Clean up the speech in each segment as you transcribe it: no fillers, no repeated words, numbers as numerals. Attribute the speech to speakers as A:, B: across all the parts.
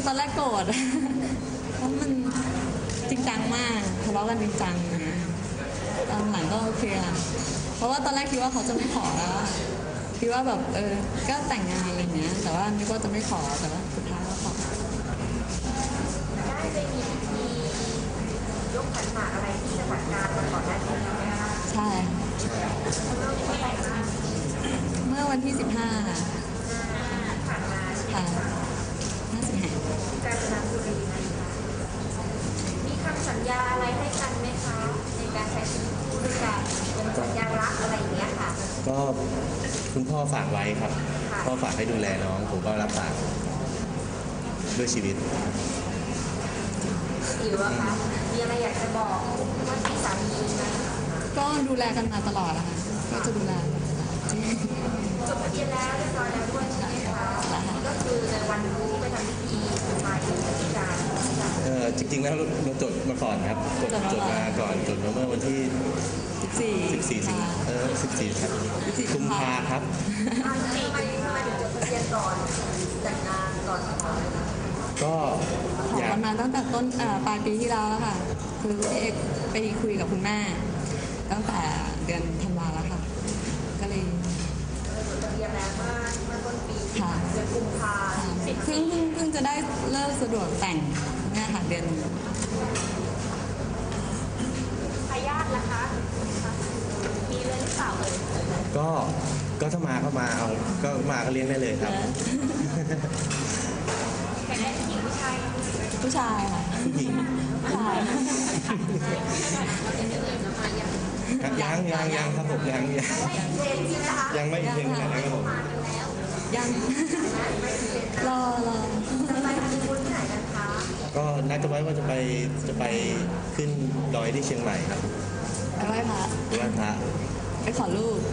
A: ตอนแรกโกรธเพราะมันจริงจังมากทะเลาะกันจริงจังตอนหลังก็โอเคอะเพราะว่าตอนแรกคิดว่าเขาจะไม่ขอแล้วคิดว่าแบบก็แต่งงานอะไรเงี้ยแต่ว่านึกว่าจะไม่ขอแต่ว่าสุดท้ายก็ขอ
B: ได้ไปมีพิธียกขันหมากอะไรที่จังหวัดกาญมาก่อนหน้านี้ไหมคะ
A: ใช่เมื่อวันที่15ค่ะ
B: ผ่านมา
A: ค่ะ5 สิงหาคม
B: กาญจนบุรีนะคะมีคำสัญญาอะไรให้กันไหมคะในการใช้ชีวิตคู่ด้วยกันเป็นสัญญารักอะไรอย่างเงี้ยค่ะ
C: ก็คุณพ่อฝากไว้ครับพ่อฝากให้ดูแลน้องผมก็รับปากด้วยชีวิต
B: หรือว่าคะมีอะไรอยากจะบอกว่าที่สามีไหม
A: ก็ดูแลกันมาตลอดนะคะก็จะดูแล
B: จดทะเบียนแล้วเรียบร้อยแล้วด้วยใช่ไหมคะก็คือในวันที่ไปทำพิธีมาถึงที่การ
C: จริงๆแล้วเราจดมาก่อนครับจดมาก่อนจดมาเมื่อวันที่14ครับกุมภาครับ
B: ทำไมถึงจดทะเบียนก่อนแต่งงานก่อน
C: ก็
A: ขอกันมาตั้งแต่ต้นปลายปีที่แล้วแล้วค่ะคือพี่เอกไปคุยกับคุณแม่ตั้งแต่เดือนธันวาแล้วค่ะก็เลย
B: จดทะเบียนแล้วเมื่อต้นปีค่ะเดือนกุมภา
A: เพิ่งจะได้เลิกสะดวกแต่งเนี่ยค่ะเดือน
B: ทายาทนะคะมีเลยหรือเปล่าเลย
C: ก็ถ้ามาก็มาเอาก็มาก็เลี้ยงได้เลยครับ
B: แต่ได้ผู้หญิง
A: ผู้ชายค่ะ
C: ผู้หญิง
A: ผู้ชาย
C: ยังครับผมยังไม่เพียงขนาดนั้นครับผม
A: ยังรอ
B: ไปมีบุญที่ไหนกันคะ
C: ก็นัดกันไว้ว่าจะไปขึ้นดอยที่เชียงใหม่ครับ
A: ไปไหว้พระไปขอลูก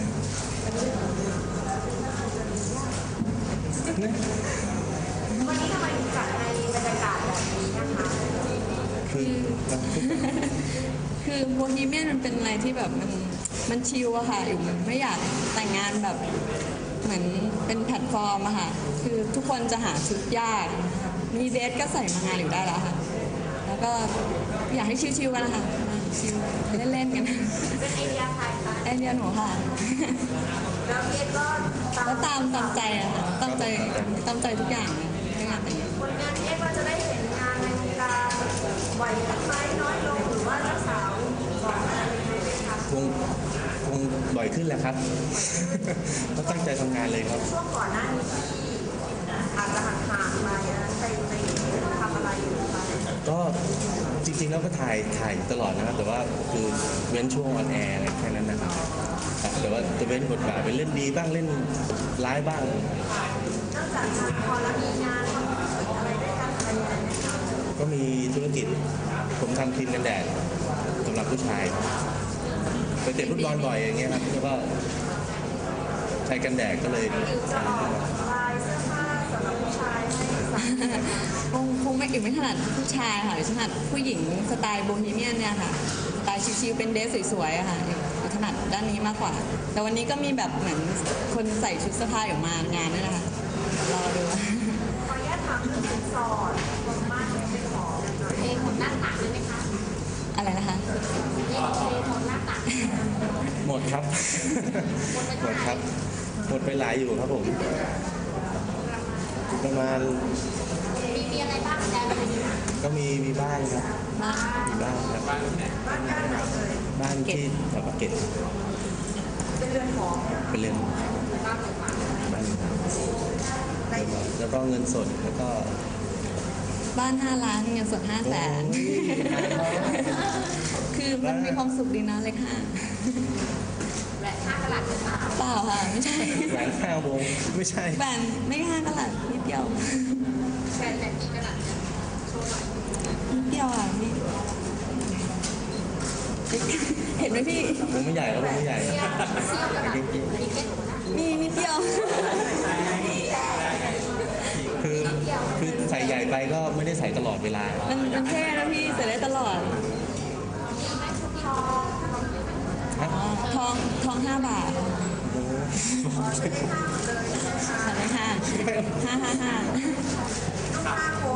B: วันนี้ทำไมถึงจัดในบรรยากาศแบบนี้นะคะ
A: คือโบฮีเมียนมันเป็นอะไรที่แบบมันชิลอะค่ะอยู่ไม่อยากแต่งงานแบบเหมือนเป็นแพลตฟอร์มอะค่ะคือทุกคนจะหาชุดยากมีเดทก็ใส่มางานอยู่ได้แล้วค่ะแล้วก็อยากให้ชิลๆกันนะคะชิลเล่นๆกัน
B: เป็นไอเดียใครคะ
A: ไอเดียหนูค่ะ
B: แล้วเอก็
A: ตามใจอะค่ะตามใจทุกอย่างในงานแต่งงาน
B: ผลงานเอว่าจะได้เห็นงานในวงการบ่อยขึ้นไหมน้อยลงหรือว่ารักษาก่อนอะไรยังไงไหมคะ
C: คงบ่อยขึ้นแหละครับก็ตั้งใจทำงานเลยครับ
B: ช่วงก่อนหน้านี้ที่อาจจะห่างๆไปไปทำอะไรอยู่คะ
C: ก็จริงๆแล้วก็ถ่ายตลอดนะครับแต่ว่าคือเว้นช่วงออนแอร์อะไรแค่นั้นนะครับแต่ว่าจะเว้นบทบาทเป็นเล่นดีบ้างเล่นร้ายบ้าง
B: นอกจากพอแล้วมีงานอะไรด้วยกันอะไรอย่างเงี้ย
C: ก็มีธุรกิจผมทำครีมกันแดดสำหรับผู้ชายไปเตะฟุตบอลบ่อยอย่างเงี้ยครับแล้วก็ใช้กันแดดก็เลย
B: จะออกลายเสื้อผ้าสำหรับผู้ชายให้
A: คงไม่ถนัดผู้ชายค่ะถนัดผู้หญิงสไตล์โบฮีเมียนเนี่ยค่ะสไตล์ชิลๆเป็นเดรสสวยๆค่ะถนัดด้านนี้มากกว่าแต่วันนี้ก็มีแบบเหมือนคนใส่ชุดเสื้อผ้าออกมางานนี่แหละค่ะรอดู
B: ขออนุญาตถามเรื่องสินสอดความมั่นเป็นของเองของหน้าตักได้ไหมคะ
A: อะไรนะคะ
B: เองของหน้าตัก
C: หมดครับหมดไปหลายอยู่ครับผมประมาณ
B: มีอะไรบ้างแต่
C: ก็มีบ้านครับมีบ้านครับบ้านที่แถวปากเกร็ด
B: เป็นเรือนหอ
C: เป็นเรือนบ้านแล้วก็เงินสดแล้วก็
A: บ้าน5 ล้านเงินสด500,000คือมันมีความสุขดีนะเลยค่ะ
B: แหวน5 กะรัตหรือเปล่า
A: เปล่าค่ะไม่ใช่
C: แหวน5 วงไม่ใช่
A: แหวนไม่5 กะรัตนิดเดียว
B: แหวนแบบกี่กะรัตโชว์หน่อย
A: นิดเดียวอ่ะนี่เห็นไหมพี่
C: ผมไม่ใหญ่ครับผมไม่ใหญ่
A: นี่นิดเดียว
C: คือใส่ใหญ่ไปก็ไม่ได้ใส่ตลอดเวลา
A: มันแค่นะพี่ใส่ได้ตลอดทอง5 บาทใช่ไหมคะ555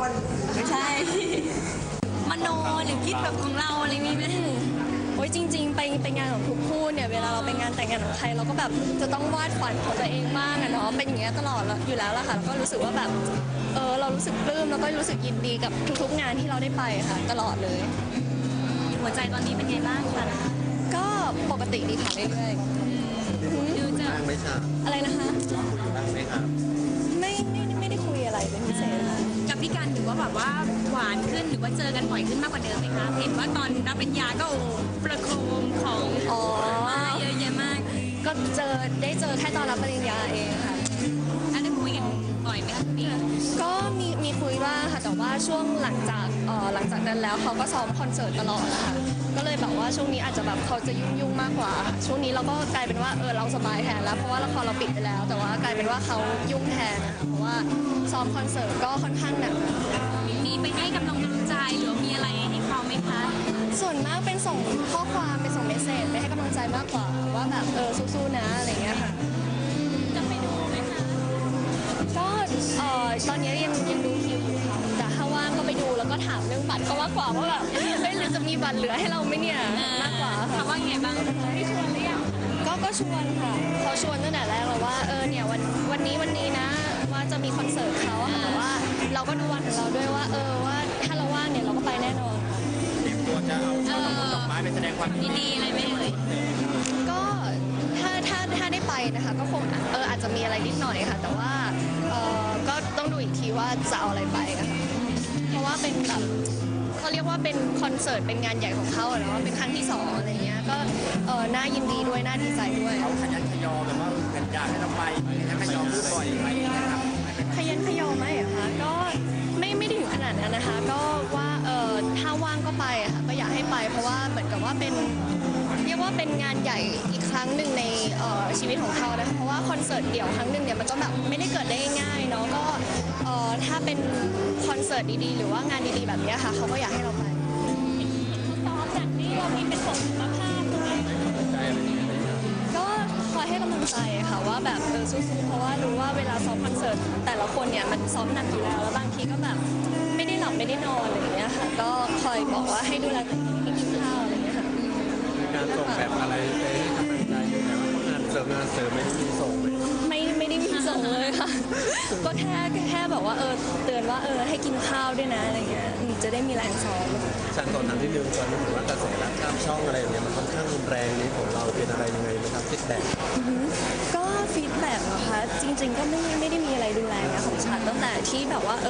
B: แบบของเราอะไรมีไหม
D: โอ้ยจริงๆไปงานของทุกคู่เนี่ยเวลาเราไปงานแต่งงานของใครเราก็แบบจะต้องวาดฝันของตัวเองบ้างอะเนาะเป็นอย่างเงี้ยตลอดอยู่แล้วล่ะค่ะแล้วก็รู้สึกว่าแบบเรารู้สึกปลื้มแล้วก็รู้สึกยินดีกับทุกๆงานที่เราได้ไปค่ะตลอดเลย
B: หัวใจตอนนี้เป็นไงบ้างคะ
D: ก็ปกติดีค่ะเรื่อยๆ
B: ดูจะ
C: ไม่ทราบ
D: อะไรนะคะ
C: บ้างไหมครับ
D: ไม่ได้คุยอะไรเป็นพิเศษค่ะ
B: กับพี่กันถือว่าแบบว่าหวานขึ้นหรือว่าเจอกันบ่อยขึ้นมากกว่าเดิมไหมคะเห็นว่าตอนรับปริญญาก็โอ้โหประโคมของ
D: อ๋อ
B: มาเยอะแยะมาก
D: ก็ได้เจอแค่ตอนรับปริญญาเองค่ะ
B: แล้วได้คุยกันบ่อยไหมคะพี่
D: ก็มีคุยบ้างค่ะแต่ว่าช่วงหลังจากนั้นแล้วเขาก็ซ้อมคอนเสิร์ตตลอดนะคะก็เลยแบบว่าช่วงนี้อาจจะแบบเขาจะยุ่งมากกว่าค่ะช่วงนี้เราก็กลายเป็นว่าเราสบายแทนแล้วเพราะว่าละครเราปิดไปแล้ว แต่ว่ากลายเป็นว่าเขายุ่งแทนนะคะเพราะว่าซ้อมคอนเสิร์ตก็ค่อนข้างหนัก
B: มีไปให้กำลังใจหรือว่ามีอะไรให้เขาไหมคะ
D: ส่วนมากเป็นส่งข้อความเป็นส่งเมสเซจไปให้กำลังใจมากกว่าว่าแบบสู้ๆนะอะไรอย่างเงี้ยค่ะ
B: จะไปดูไหมคะ
D: ก็ตอนนี้ยังดูคิวอยู่ค่ะแต่ถ้าว่างก็ไปดูแล้วก็ถามเรื่องบัตรก็มากกว่าว่าแบบเฮ้ยหรือจะมีบัตรเหลือให้เราไหมเนี่ยมากกว่าค่ะ
B: เขาว่าไงบ้างไม่ชวนหรือยัง
D: ก็ชวนค่ะเขาชวนตั้งแต่แรกแล้วว่าเนี่ยวันนี้นะว่าจะมีคอนเสิร์ตเขาค่ะแต่ว่าเราก็ดูวันของเราด้วยว่าว่าถ้าเราว่างเนี่ยเราก็ไปแน่นอนค่ะ
C: ตัวจะเอาดอกไม้ไปแสดงความ
B: ดีๆอะไรไหมเอ่ย
D: ก็ถ้าได้ไปนะคะก็คงอาจจะมีอะไรนิดหน่อยค่ะ แต่ว่าก็ต้องดูอีกทีว่าจะเอาอะไรไปอะค่ะเพราะว่าเป็นแบบเขาเรียกว่าเป็นคอนเสิร์ตเป็นงานใหญ่ของเขาอะเนาะเป็นครั้งที่2อะไรเงี้ยก็น่ายินดีด้วยน่าดีใจด้วย
C: เขาขยันขยอแบบว่าอยากให้เราไปขยันขยอพูดบ่อยไหมนะครับ
D: ขยันขยอไหมอะคะก็ไม่ได้ถึงขนาดนั้นนะคะ ก็ว่าถ้าว่างก็ไปอะค่ะก็อยากให้ไป เพราะว่าเหมือนกับว่าเป็นเรียกว่าเป็นงานใหญ่อีกครั้งหนึ่งในชีวิตของเขานะคะเพราะว่าคอนเสิร์ตเดี่ยวครั้งหนึ่งเนี่ยมันก็แบบไม่ได้เกิดได้ง่ายๆเนาะก็ถ้าเป็นคอนเสิร์ตดีๆ หรือว่างานดีๆแบบเนี้ยค่ะเขาก็อยากให้เราไป
B: ซ้อมจากนี้เรามีเป็นผลสุขภาพด้วย
D: ก็คอยให้กำลังใจค่ะว่าแบบสู้ๆเพราะว่ารู้ว่าเวลาซ้อมคอนเสิร์ตแต่ละคนเนี่ยมันซ้อมหนักอยู่แล้วแล้วบางทีก็แบบไม่ได้หลับไม่ได้นอนอะไรอย่างเงี้ยค่ะก็คอยบอกว่าให้ดูแลตัวเองให้กินข้าวอะไรอย่างเงี้ยค่ะ
C: การส่งแบบอะไรไปให้กำลังใจด้วยนะว่างานเสริมไม่ได้มีส่งเลย
D: ไม่ได้มีส่งเลยค่ะ ก็แค่บอกว่าเตือนว่าให้กินข้าวด้วยนะอะไรเงี้ยจะได้มีแรงซ้อม
C: ฉันตอนนั้นที่นึงตอนนี้ถือว่ากระแสรักข้ามช่องอะไรอย่างเงี้ยมันค่อนข้างรุนแรงนี้ของเราเป็นอะไรยังไงไหมครับฟีดแบ็ก
D: ก็ฟีดแบ็กนะคะจริงๆก็ไม่ได้มีอะไรรุนแรงนะของฉันตั้งแต่ที่แบบว่า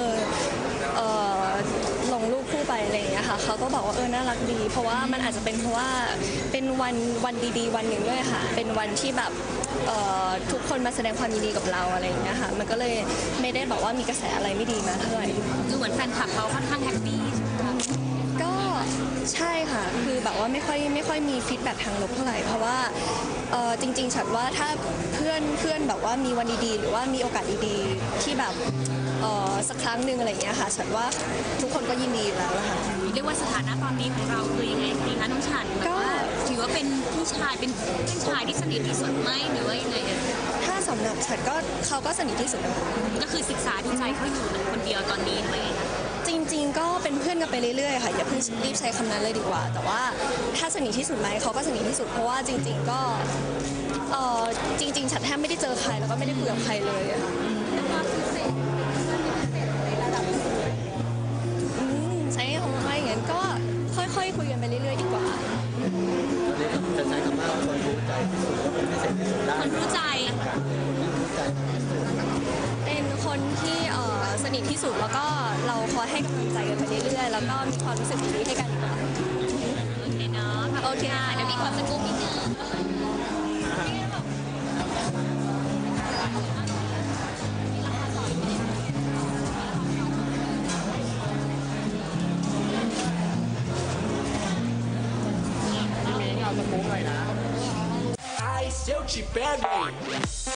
D: ลงรูปคู่ไปอะไรอย่างเงี้ยค่ะเขาก็บอกว่าน่ารักดี เพราะว่ามันอาจจะเป็นเพราะว่าเป็นวันดีๆวันหนึ่งด้วยค่ะ เป็นวันที่แบบทุกคนมาแสดงความยินดีกับเราอะไรอย่างเงี้ยค่ะมันก็เลยไม่ได้แบบว่ามีกระแสอะไรไม่ดีมาเท่าไหร่
B: ดูเหมือนแฟนคลับเขาค่อนข้างแฮปปี้ใช่ไหมคะ
D: ก็ใช่ค่ะคือแบบว่าไม่ค่อยมีฟีดแบ็กทางลบเท่าไหร่เพราะว่าจริงๆฉันว่าถ้าเพื่อนแบบว่ามีวันดีๆ หรือว่ามีโอกาสดีๆที่แบบสักครั้งหนึ่งอะไรอย่างเงี้ยค่ะฉันว่าทุกคนก็ยินดีอยู่แล้วละค่ะ
B: เรียกว่าสถานะตอนนี้ของเราคือยังไงดีคะน้องฉันแบบว่าถือว่าเป็นพี่ชายเป็นเพื่อนชายที่สนิทที่สุดไหมหรือว่ายังไงเอ่ย
D: ถ้าสำหรับฉันก็เขาก็สนิทที่สุดนะคะ
B: ก็คือศึกษาดูใจเขาอยู่คนเดียวตอนนี้หรือว่ายังไงคะ
D: จริงๆก็เป็นเพื่อนกันไปเรื่อยๆค่ะอย่าเพิ่งรีบใช้คำนั้นเลยดีกว่า แต่ว่าถ้าสนิทที่สุดไหมเขาก็สนิทที่สุดเพราะว่าจริงๆก็จริงๆฉันแทบไม่ได้เจอใครแล้วก็ไม่ได้คุยกับใครเลยอะค่ะใช้คำว่าอย่างนั้นก็ค่อยๆคุยกันไปเรื่อยๆดีกว่า
C: จะใช้คำว่าคนรู้ใจที่สุดว่าเป็นพิเศษที่สุดได้
B: คนรู้ใจ
D: เป็นคนที่สนิทที่สุดแล้วก็เราคอยให้กำลังใจกันไปเรื่อยๆแล้วก็มีความรู้สึกดีๆให้กันดีกว่า
B: โอเคเนาะ
D: โอเค
B: เดี๋ยวมีความสกู๊ปนิดนึง
E: Ai, se eu te pego.